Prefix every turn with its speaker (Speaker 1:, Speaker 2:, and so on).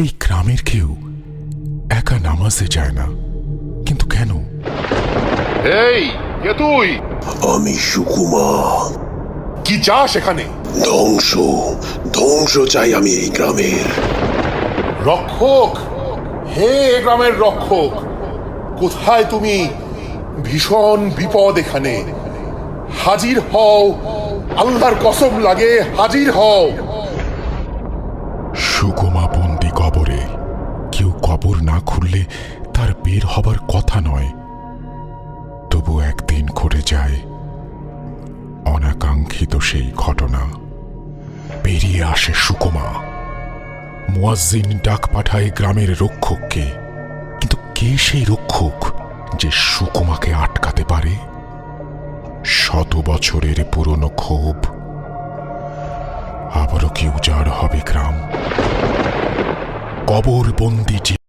Speaker 1: এই গ্রামের কেউ একা নামাজে যায় না, কিন্তু কেন?
Speaker 2: এই কে তুই?
Speaker 3: আমি সুকুমা।
Speaker 2: কি চাস এখানে?
Speaker 3: ধ্বংস ধ্বংস চাই আমি এই গ্রামের।
Speaker 2: রক্ষক, হে গ্রামের রক্ষক, কোথায় তুমি? ভীষণ বিপদ এখানে, হাজির হও, আল্লাহর কসম লাগে হাজির হও।
Speaker 1: সুকুমা বন্দি কবরে, কেউ কবর না খুললে তার বের হবার কথা নয়। তবু একদিন ঘটে যায় অনাকাঙ্ক্ষিত সেই ঘটনা। বেরিয়ে আসে সুকুমা। মুয়াজ্জিন ডাক পাঠায় গ্রামের রক্ষককে, কিন্তু কে সেই রক্ষক যে সুকুমাকে আটকাতে পারে? 100 বছরের পুরনো ক্ষোভ। আবারও কি উজাড় হবে গ্রাম? কবর বন্দি